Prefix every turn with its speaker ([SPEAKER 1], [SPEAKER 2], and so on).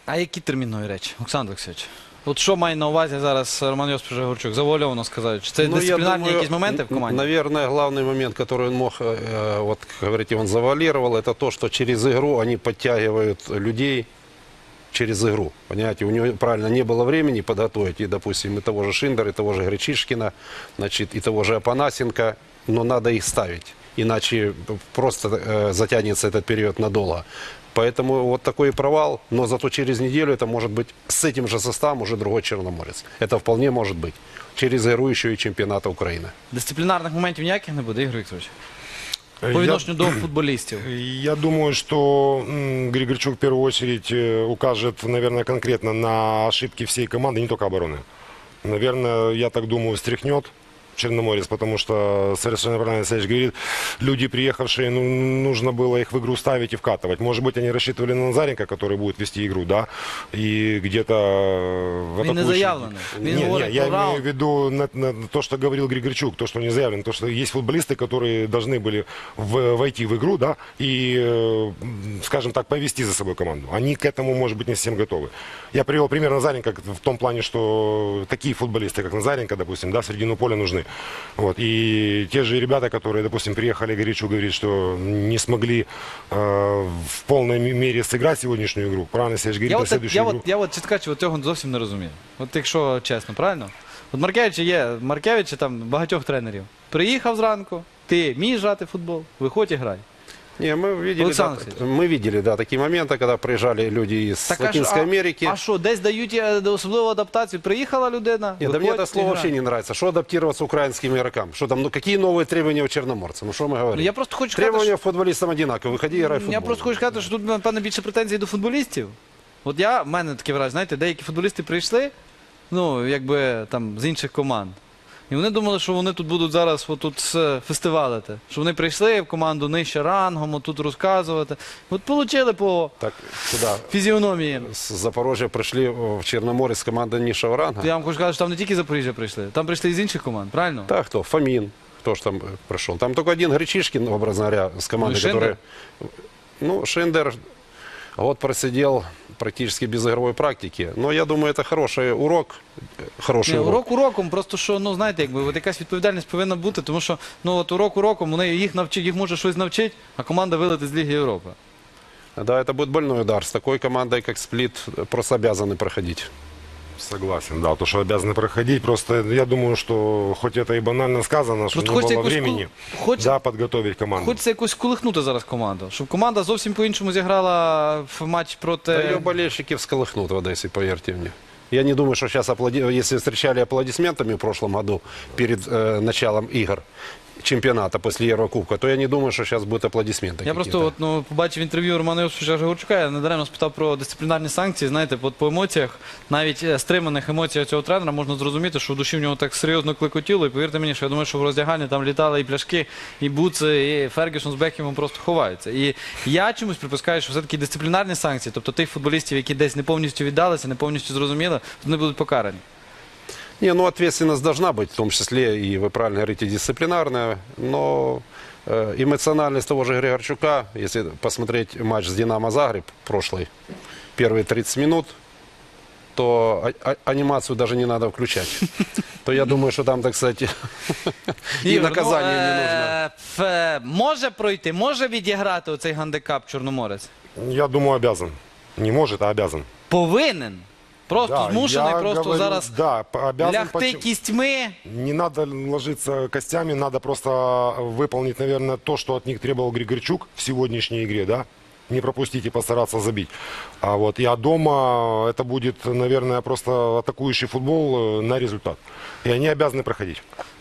[SPEAKER 1] А які термінові речі, Олександр Олексійович? От що має на увазі зараз Роман Йосипович Григорчук? Завуальовано сказати. Чи це дисциплінарні якісь моменти в команді?
[SPEAKER 2] Наверное, главный момент, который он мог, вот, как говорите, он завуалировал, это то, что через игру они подтягивают людей через игру. Понимаете, у него, правильно, не было времени подготовить, и, допустим, и того же Шиндера, и того же Гречишкина, значит, и того же Апанасенко, но надо их ставить, иначе просто затянется этот период надолго. Поэтому вот такой провал, но зато через неделю это может быть с этим же составом уже другой Черноморец. Это вполне может быть. Через игру еще и чемпионата Украины.
[SPEAKER 1] Дисциплінарних моментів ніяких не буде, Ігор Вікторович? По відношенню до футболістів.
[SPEAKER 3] Я думаю, что Григорчук в первую очередь укажет, наверное, конкретно на ошибки всей команды, не только обороны. Наверное, я так думаю, встряхнет Черноморец, потому что, совершенно правильно Алексеевич говорит, люди, приехавшие, ну, нужно было их в игру ставить и вкатывать. Может быть, они рассчитывали на Назаренко, который будет вести игру, да, и где-то в
[SPEAKER 1] Він не заявлений. Він говорить
[SPEAKER 3] я
[SPEAKER 1] про
[SPEAKER 3] имею в
[SPEAKER 1] раунд.
[SPEAKER 3] виду на то, что говорил Григорчук, то, что не заявлено, то, что есть футболисты, которые должны были войти в игру, да, и, скажем так, повести за собой команду. Они к этому, может быть, не совсем готовы. Я привел пример Назаренко в том плане, что такие футболисты, как Назаренко, допустим, да, в середину поля нужны. Вот. И те же ребята, которые, допустим, приехали, Горячу говорит, что не смогли в полной мере сыграть сегодняшнюю игру. Правильно, Сергей говорит, на следующую игру.
[SPEAKER 1] Я от, чесно кажучи, цього зовсім не розумію. От якщо чесно, правильно? От Маркевич там багатьох тренерів. Приїхав зранку, ти вмієш грати в футбол, виходь і грай.
[SPEAKER 2] Не, мы видели, да, такие моменты, когда приезжали люди из Латинской Америки.
[SPEAKER 1] А що, десь дають особливу адаптацію? Приїхала людина,
[SPEAKER 2] Нет, да мне
[SPEAKER 1] виходь
[SPEAKER 2] это
[SPEAKER 1] і
[SPEAKER 2] слово
[SPEAKER 1] грай.
[SPEAKER 2] вообще не нравится. Что адаптироваться украинским игрокам? Что там, ну какие новые требования у черноморца? Ну что мы говорим?
[SPEAKER 1] Я просто хочу сказати,
[SPEAKER 2] Требования футболистам одинаковые. Выходи и играй в футбол.
[SPEAKER 1] Я просто хочу сказати, що тут, напевно, більше претензій до футболістів. От в мене таке враження, знаєте, деякі футболісти прийшли, ну, якби там з інших команд. І вони думали, що вони тут будуть зараз отут фестивалити. Що вони прийшли в команду нижче рангом, тут розказувати. От получили по
[SPEAKER 2] Так, сюда,
[SPEAKER 1] фізіономії.
[SPEAKER 2] с Запорожья пришли в Черноморец команда низшего ранга.
[SPEAKER 1] Я вам хочу сказати, що там не тільки Запоріжжя прийшли, там прийшли і з інших команд, правильно?
[SPEAKER 2] Так, кто? Фомин. Кто ж там пришел? Там только один Гречишкин, образно говоря, с командой,
[SPEAKER 1] Ну и Шиндер.
[SPEAKER 2] которая... Ну, Шиндер год просидел практически без игровой практики. Но я думаю, это хороший урок. Хороший
[SPEAKER 1] Ні,
[SPEAKER 2] урок.
[SPEAKER 1] урок уроком, просто що, ну, знаєте, якби, от якась відповідальність повинна бути, тому що, ну, от урок уроком, вони їх навчить, їх може щось навчити, а команда вилетить з Ліги Європи.
[SPEAKER 2] Да, это будет больной удар. С такой командой, как Сплит, просто обязаны проходить.
[SPEAKER 3] Согласен, да, то, что обязаны проходить. Просто я думаю, что хоть это и банально сказано, что
[SPEAKER 1] Просто
[SPEAKER 3] не
[SPEAKER 1] хочеться
[SPEAKER 3] было
[SPEAKER 1] якусь
[SPEAKER 3] времени,
[SPEAKER 1] хочеться-
[SPEAKER 3] да, подготовить команду.
[SPEAKER 1] Хочеться якось колихнути зараз команду, щоб команда зовсім по-іншому зіграла в матч проти...
[SPEAKER 2] Да ее болельщики всколыхнут в Одессе, поверьте мне. Я не думаю, что сейчас, если встречали аплодисментами в прошлом году перед началом игр чемпионата после Еврокубка, то я не думаю, что сейчас будут аплодисменты.
[SPEAKER 1] Я просто от, ну, побачив інтерв'ю Романа Йосиповича Григорчука, я недаремно спитав про дисциплінарні санкції. Знаєте, от по емоціях, навіть стриманих емоціях цього тренера можна зрозуміти, що в душі в нього так серйозно клекотіло. І повірте мені, що я думаю, що в роздягальні там літали і пляшки, і буци, і Фергюсон з Бекхемом просто ховаються. І я чомусь припускаю, що все-таки дисциплінарні санкції, тобто тих футболістів, які десь не повністю віддалися, не повністю зрозуміли, вони будуть покарані.
[SPEAKER 2] Не, ну ответственность должна быть, в том числе, и вы правильно говорите, дисциплинарная, но эмоциональность того же Григорчука, если посмотреть матч с «Динамо Загреб» прошлый, первые 30 минут, то анимацию даже не надо включать. То я думаю, что там, так сказать, и
[SPEAKER 1] Ігор,
[SPEAKER 2] наказание не нужно.
[SPEAKER 1] Може пройти, може відіграти оцей гандикап Чорноморець?
[SPEAKER 3] Я думаю, обязан. Не может, а обязан.
[SPEAKER 1] Повинен. Просто
[SPEAKER 3] Да,
[SPEAKER 1] змушений
[SPEAKER 3] я
[SPEAKER 1] просто
[SPEAKER 3] говорю,
[SPEAKER 1] зараз
[SPEAKER 3] да, обязан.
[SPEAKER 1] лягти
[SPEAKER 3] Почему?
[SPEAKER 1] кістьми.
[SPEAKER 3] Не надо ложиться костями, надо просто выполнить, наверное, то, что от них требовал Григорчук в сегодняшней игре, да? Не пропустить и постараться забить. А дома это будет, наверное, просто атакующий футбол на результат. И они обязаны проходить.